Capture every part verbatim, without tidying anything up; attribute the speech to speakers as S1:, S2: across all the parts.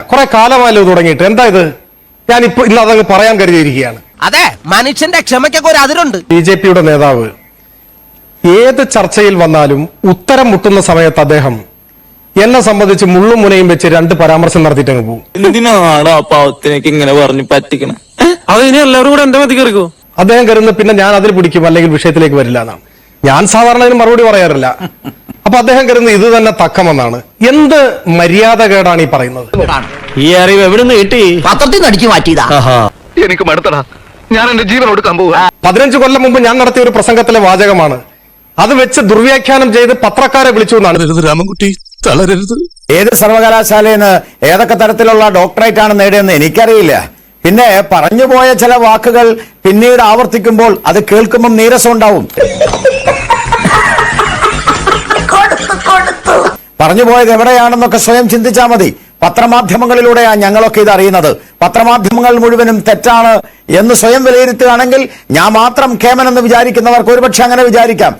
S1: കുറെ കാലമായല്ലോ തുടങ്ങിയിട്ട്. എന്താ ഇത്? ഞാൻ ഇപ്പൊ ഇന്ന് അതങ്ങ് പറയാൻ കരുതിയിരിക്കുകയാണ്.
S2: അതെ, മനുഷ്യന്റെ ക്ഷമയ്ക്കൊക്കെ ഒരു അതിരുണ്ട്.
S1: ബി ജെ പിയുടെ നേതാവ് ഏത് ചർച്ചയിൽ വന്നാലും ഉത്തരം മുട്ടുന്ന സമയത്ത് അദ്ദേഹം എന്നെ സംബന്ധിച്ച് മുള്ളും മുനയും വെച്ച് രണ്ട് പരാമർശം നടത്തിയിട്ടങ്ങ് പോകും.
S3: എന്തിനാണ് ആ പാവത്തിനേക്ക് ഇങ്ങനെ പറഞ്ഞു പറ്റിക്കണം?
S4: അത് ഇനി എല്ലാവരും കൂടെ എന്റെ മതി കയറിക്കോ.
S1: അദ്ദേഹം കരുതുന്നത് പിന്നെ ഞാൻ അതിൽ പിടിക്കും, അല്ലെങ്കിൽ വിഷയത്തിലേക്ക് വരില്ല എന്നാണ്. ഞാൻ സാധാരണ അതിന് മറുപടി പറയാറില്ല. അപ്പൊ അദ്ദേഹം കരുതുന്നത് ഇത് തന്നെ തക്കമെന്നാണ്. എന്ത് മര്യാദകേടാണ് ഈ പറയുന്നത്?
S4: ഈ അറിവ് എവിടെ നിന്ന് കിട്ടി?
S2: പത്രത്തിൽ നിന്ന് അടിച്ചു മാറ്റിയതാ.
S5: എനിക്ക് മടുത്തടാ, ഞാൻ എന്റെ ജീവൻ കൊടുക്കാൻ പോവുക.
S1: പതിനഞ്ച് കൊല്ലം മുമ്പ് ഞാൻ നടത്തിയ ഒരു പ്രസംഗത്തിലെ വാചകമാണ്. അത് വെച്ച് ദുർവ്യാഖ്യാനം ചെയ്ത് പത്രക്കാരെ വിളിച്ചു എന്നാണ്.
S6: രാമൻകുട്ടി തളരരുത്.
S7: ഏത് സർവകലാശാലയിൽ നിന്ന് ഏതൊക്കെ തരത്തിലുള്ള ഡോക്ടറേറ്റ് ആണ് നേടിയെന്ന് എനിക്കറിയില്ല. പിന്നെ പറഞ്ഞുപോയ ചില വാക്കുകൾ പിന്നീട് ആവർത്തിക്കുമ്പോൾ അത് കേൾക്കുമ്പോൾ നീരസം ഉണ്ടാവും. പറഞ്ഞുപോയത് എവിടെയാണെന്നൊക്കെ സ്വയം ചിന്തിച്ചാൽ മതി. പത്രമാധ്യമങ്ങളിലൂടെയാണ് ഞങ്ങളൊക്കെ ഇത് അറിയുന്നത്. പത്രമാധ്യമങ്ങൾ മുഴുവനും തെറ്റാണ് എന്ന് സ്വയം വിലയിരുത്തുകയാണെങ്കിൽ ഞാൻ മാത്രം കേമനെന്ന് വിചാരിക്കുന്നവർക്ക് ഒരുപക്ഷെ അങ്ങനെ വിചാരിക്കാം.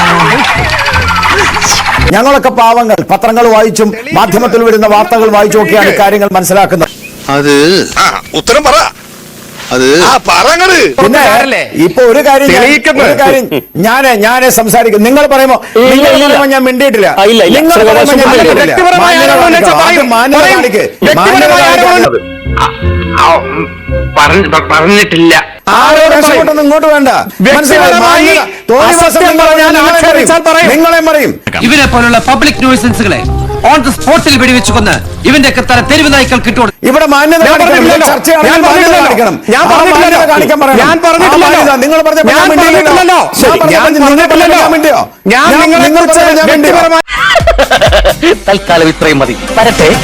S7: ഞങ്ങളൊക്കെ പാവങ്ങൾ, പത്രങ്ങൾ വായിച്ചും മാധ്യമത്തിൽ വരുന്ന വാർത്തകൾ വായിച്ചും ഒക്കെയാണ് കാര്യങ്ങൾ മനസ്സിലാക്കുന്നത്.
S6: അത് ഉത്തരം പറ. അത്
S7: പിന്നെ ഇപ്പൊ ഒരു കാര്യം ഒരു കാര്യം ഞാന് ഞാന് സംസാരിക്കും. നിങ്ങൾ പറയുമ്പോ നിങ്ങൾ പറയുമ്പോ ഞാൻ മിണ്ടിയിട്ടില്ല. നിങ്ങൾ പറയുമ്പോ ഞാൻ മിണ്ടിയിട്ടില്ല. മാന്യത കാണിക്ക്.
S5: പറഞ്ഞിട്ടില്ല.
S7: ആരോടും ഇങ്ങോട്ട് വേണ്ട. നിങ്ങളെ പറയും.
S8: ഇവരെ പോലുള്ള പബ്ലിക് ന്യൂസൻസുകളെ ഓൺ ദ സ്പോട്ടിൽ വെടിവെച്ചു കൊന്ന് ഇവന്റെ തല തെരുവ് നായ്ക്കൾ കിട്ടും.
S7: ഇവിടെ മാന്യത കാണിക്കണം. നിങ്ങൾ
S2: തൽക്കാലം ഇത്രയും മതി. വരട്ടെ.